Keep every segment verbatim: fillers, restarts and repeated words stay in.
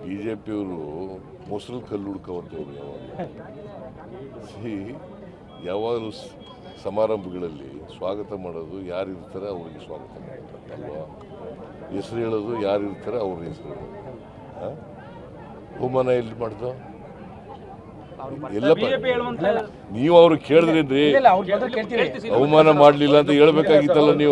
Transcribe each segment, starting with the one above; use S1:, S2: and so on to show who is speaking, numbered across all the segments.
S1: B J ಪಿಯವರು ಮೊಸರು ಕಲ್ಲು ಹುಡ್ಕೋವಂಥವ್ರು ಯಾವಾಗ ಸಿ ಯಾವಾಗಲೂ ಸಮಾರಂಭಗಳಲ್ಲಿ ಸ್ವಾಗತ ಮಾಡೋದು ಯಾರು ಇರ್ತಾರೆ ಅವ್ರಿಗೆ ಸ್ವಾಗತ ಮಾಡ್ತಾರೆ ಅಲ್ವಾ. ಹೆಸರು ಹೇಳೋದು ಯಾರು ಇರ್ತಾರೆ ಅವ್ರ ಹೆಸರು ಹೇಳೋದು. ಅವಮಾನ ಎಲ್ಲಿ ಮಾಡ್ದು ಎಲ್ಲ ನೀವು ಅವ್ರು ಕೇಳಿದ್ರೇನ್ರಿ ಅವಮಾನ ಮಾಡಲಿಲ್ಲ ಅಂತ ಹೇಳ್ಬೇಕಾಗಿತ್ತಲ್ಲ ನೀವು.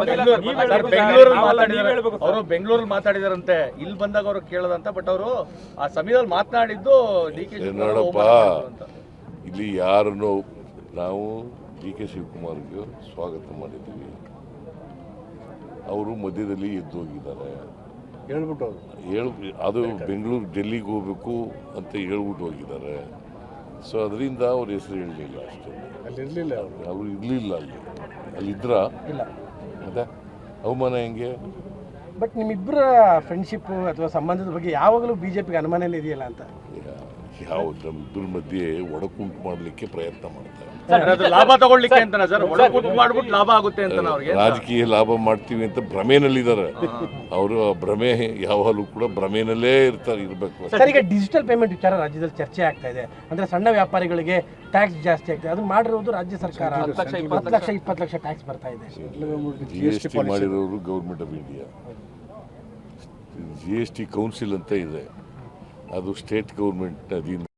S2: ಅವರು ಬೆಂಗಳೂರಲ್ಲಿ ಮಾತಾಡಿದಾರಂತೆ, ಇಲ್ಲಿ ಬಂದಾಗ ಅವರು ಕೇಳದಂತ, ಬಟ್ ಅವರು ಆ ಸಮಯದಲ್ಲಿ ಮಾತನಾಡಿದ್ದು ಡಿ ಕೆ
S1: ನೋಡಪ್ಪ, ಇಲ್ಲಿ ಯಾರನ್ನು ನಾವು ಡಿ ಕೆ ಶಿವಕುಮಾರ್ಗೆ ಸ್ವಾಗತ ಮಾಡಿದ್ದೀವಿ. ಅವರು ಮಧ್ಯದಲ್ಲಿ ಎದ್ದು ಹೋಗಿದ್ದಾರೆ
S2: ಹೇಳ್ಬಿಟ್ಟು
S1: ಹೇಳು ಅದು ಬೆಂಗಳೂರು ಡೆಲ್ಲಿಗೆ ಹೋಗ್ಬೇಕು ಅಂತ ಹೇಳ್ಬಿಟ್ಟು ಹೋಗಿದ್ದಾರೆ. ಸೊ ಅದರಿಂದ ಅವ್ರ ಹೆಸರು ಹೇಳಲಿಲ್ಲ ಅಷ್ಟೇ.
S2: ಅಲ್ಲಿ ಇರಲಿಲ್ಲ,
S1: ಅವರು ಇರಲಿಲ್ಲ ಅಲ್ಲಿ ಅಲ್ಲಿದ್ರ
S3: ಇಲ್ಲ.
S1: ಮತ್ತೆ ಅವಮಾನ ಹೆಂಗೆ?
S3: ಬಟ್ ನಿಮ್ಮಿಬ್ಬರ ಫ್ರೆಂಡ್ಶಿಪ್ ಅಥವಾ ಸಂಬಂಧದ ಬಗ್ಗೆ ಯಾವಾಗಲೂ ಬಿಜೆಪಿಗೆ ಅನುಮಾನನೇ ಇದೆಯಲ್ಲ ಅಂತ.
S1: ಯಾವ ನಮ್ಮಿಬ್ಬರ ಮಧ್ಯೆ ಒಡಕುಂಟು ಮಾಡಲಿಕ್ಕೆ ಪ್ರಯತ್ನ ಮಾಡ್ತಾರೆ.
S2: ಲಾಭ ತಗೊಳ್ಳಿಕ್ಕೆ ಅಂತ ಸರ್, ಮಾಡ್ಬಿಟ್ಟು ಲಾಭ ಆಗುತ್ತೆ ಅಂತ ಅವ್ರಿಗೆ
S1: ರಾಜಕೀಯ ಲಾಭ ಮಾಡ್ತೀವಿ ಅಂತ ಭ್ರಮೆನಲ್ಲಿದ್ದಾರೆ ಅವರು. ಭ್ರಮೆ ಯಾವಾಗಲೂ ಕೂಡ ಭ್ರಮೆನಲ್ಲೇ ಇರ್ತಾರೆ, ಇರಬೇಕು.
S3: ಸರ್, ಈಗ ಡಿಜಿಟಲ್ ಪೇಮೆಂಟ್ ವಿಚಾರ ರಾಜ್ಯದಲ್ಲಿ ಚರ್ಚೆ ಆಗ್ತಾ ಇದೆ. ಅಂದ್ರೆ ಸಣ್ಣ ವ್ಯಾಪಾರಿಗಳಿಗೆ ಟ್ಯಾಕ್ಸ್ ಜಾಸ್ತಿ ಆಗ್ತದೆ. ಅದು ಮಾಡಿರೋದು ರಾಜ್ಯ ಸರ್ಕಾರ. ಹತ್ತು ಲಕ್ಷ ಇಪ್ಪತ್ತು ಲಕ್ಷ ಟ್ಯಾಕ್ಸ್ ಬರ್ತಾ ಇದೆ.
S1: ಜಿ ಎಸ್ ಟಿ ಮಾಡಿರೋರು government of India. G S T council ಅಂತ ಇದೆ, ಅದು ಸ್ಟೇಟ್ ಗೌರ್ಮೆಂಟ್ ಅಧೀನ.